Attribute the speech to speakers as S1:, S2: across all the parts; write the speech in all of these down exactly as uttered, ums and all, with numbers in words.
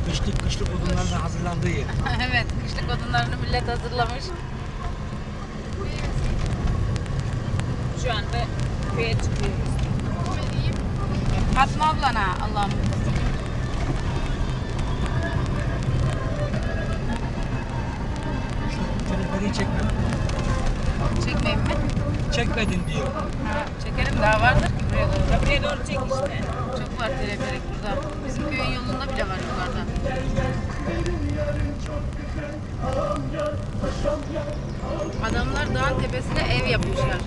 S1: Kışlık kışlık odunlarla hazırlandığı yer.
S2: Evet, kışlık odunlarını millet hazırlamış.
S3: Şu anda köye çıkıyoruz.
S2: Fatma ablana Allah'ım.
S1: Şu teleferiyi çekme.
S2: Çekmeyeyim mi?
S1: Çekmedin diyor.
S2: Ha, çekelim, daha vardır ki buraya doğru.
S3: Buraya doğru çek işte.
S2: Çok var teleferik burada. Bizim köyün yolunda bile var yukarıda. Adamlar dağın tepesine ev yapmışlar.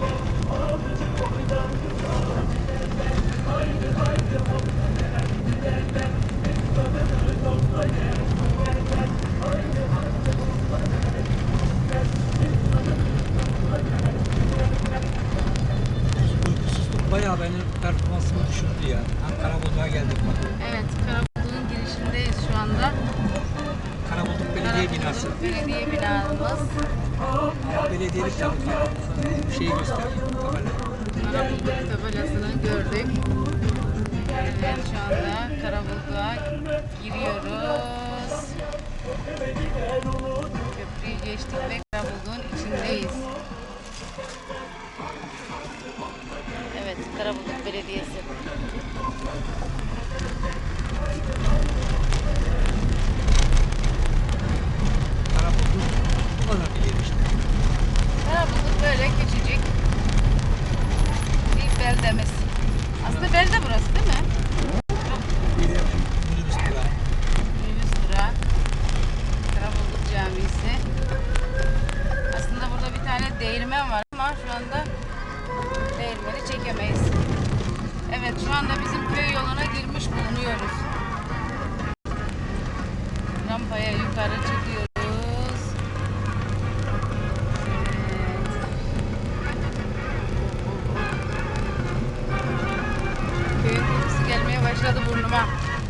S1: Uykusuzluk bayağı benim performansımı düşürdü ya. Karabulduk'a geldik bak.
S2: Evet, Karabulduk'un girişindeyiz şu anda.
S1: Karabulduk Belediye Binası.
S2: Karabulduk Belediye binamız.
S1: Ama belediyelik tabii ki. Bir şeyi gösteriyor. Tabela.
S2: Karabulduk tabelasını gördük. Evet, şu anda Karabulduk'a giriyoruz. Köprüyü geçtik ve Karabulduk'un içindeyiz. Evet, Karabulduk Belediyesi.
S1: Karabulduk bu kadar bir yer işte.
S2: Karabulduk böyle küçücük bir beldemiz. Aslında belde burası değil mi?
S1: Bir de minibüs durağı.
S2: Minibüs durağı. Karabulduk Camisi. Aslında burada bir tane değirmen var ama şu anda değirmeni çekemeyiz. Evet, şu anda bizim köy yoluna girmiş bulunuyoruz. Rampaya yukarı çıkıyoruz. Evet. Köyün kokusu gelmeye başladı burnuma.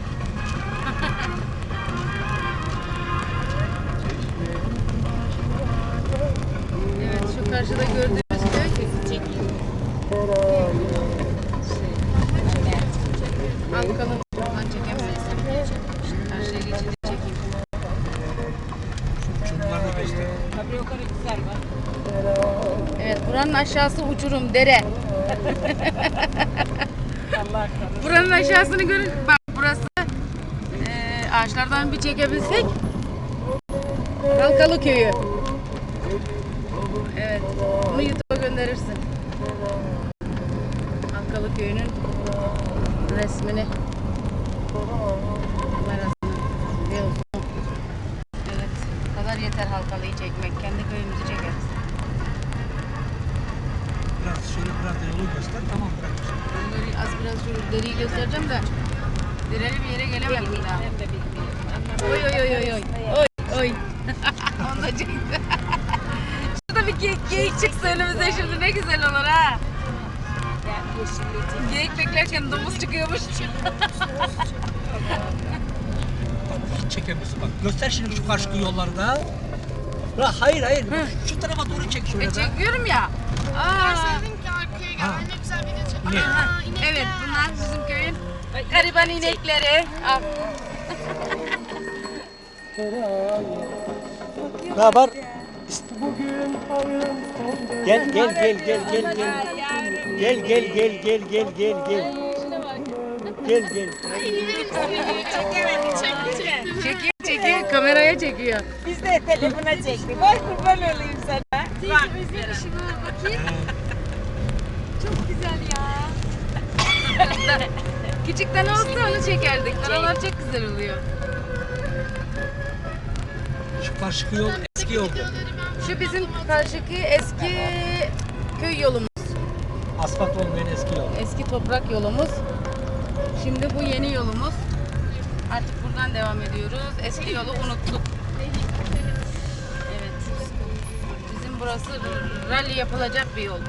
S2: Evet, şu karşıda gördüğünüz köy. Halkalı. Buradan çekemeyiz. Karşıya geçince çekeyim.
S1: Çocuklar da gösteriyor.
S3: Tabii yukarı güzel var.
S2: Evet, buranın aşağısı uçurum, dere.
S3: Allah aşkına.
S2: Buranın aşağısını görün. Bak burası eee, ağaçlardan bir çekebilsek. Halkalı köyü. Evet, bunu YouTube'a gönderirsin. Halkalı köyünün resmini. Kamerasını. Videosunu. Evet, bu kadar yeter Halkalı'yı çekmek. Kendi köyümüzü çekeriz.
S1: Biraz şöyle biraz da yolu göster. Tamam bırak.
S2: Ben böyle az biraz şu deriyi göstereceğim de dereli bir yere gelemedim daha.
S3: Ben de bilmiyorum.
S2: Oy oy oy oy oy. Oy oy. Onu da çekti. Şurada bir geyik, geyik çıksa önümüze şimdi ne güzel olur ha.
S3: Ya yeşillik.
S2: Geyik beklerken domuz çıkıyormuş.
S1: Bak hiç çekemiyorsun bak. Göster şimdi şu karşı yolları da. La hayır hayır. Şu tarafa doğru çek şöyle
S2: E
S1: de.
S2: çekiyorum ya. Aa.
S4: Deseydin ki arkaya gel.
S1: Ha.
S4: Ne güzel video çek.
S1: Ne?
S4: Aa, inekler.
S2: Evet, bunlar bizim köyün gariban inekleri. Al.
S1: Ne haber? Gel gel gel gel gel gel. Gel gel gel gel gel gel gel. Gel gel.
S3: Çekemedi, çekti.
S2: Çekiyor çekiyor, kameraya çekiyor.
S3: Biz de telefona çektik. Vay kurban olayım sana. Bak.
S4: Bakayım. Çok güzel ya.
S2: Küçükten olsa onu çekerdik. Oralar çok güzel oluyor.
S1: Şu karşı yol eski yoldu.
S2: Şu bizim karşıki eski köy yolumuz.
S1: Asfalt olmayan eski yol.
S2: Eski toprak yolumuz. Şimdi bu yeni yolumuz. Artık buradan devam ediyoruz. Eski yolu unuttuk. Evet. Bizim burası rally yapılacak bir yol.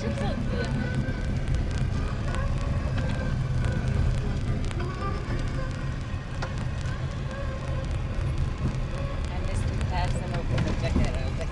S3: Annesinin tersine okunacak herhalde.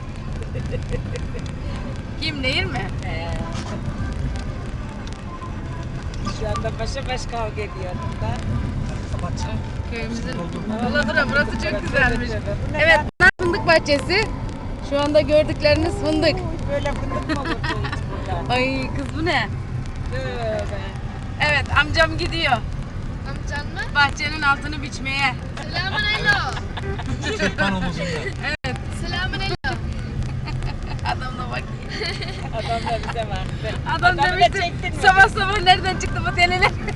S2: Kim değil mi?
S3: He. Şu anda başa baş kavga ediyor bunlar.
S1: kapat.
S2: Köyümüzün
S1: Doldu.
S2: Uladura burası çok güzelmiş. Evet bunlar fındık bahçesi. Şu anda gördükleriniz fındık.
S3: Böyle fındık mı olurdu hiç burada?
S2: Ay kız bu ne?
S3: Tövbe.
S2: Evet amcam gidiyor.
S4: Amcan mı?
S2: Bahçenin altını biçmeye.
S4: Selamun alo.
S1: Sırtlan omuzunda.
S4: Selamun alo.
S2: Adam da bak.
S3: Adam da bize baktı.
S2: Adam
S3: Adamı da
S2: demişti
S3: çektin mi?
S2: sabah sabah nereden çıktı bu deliler?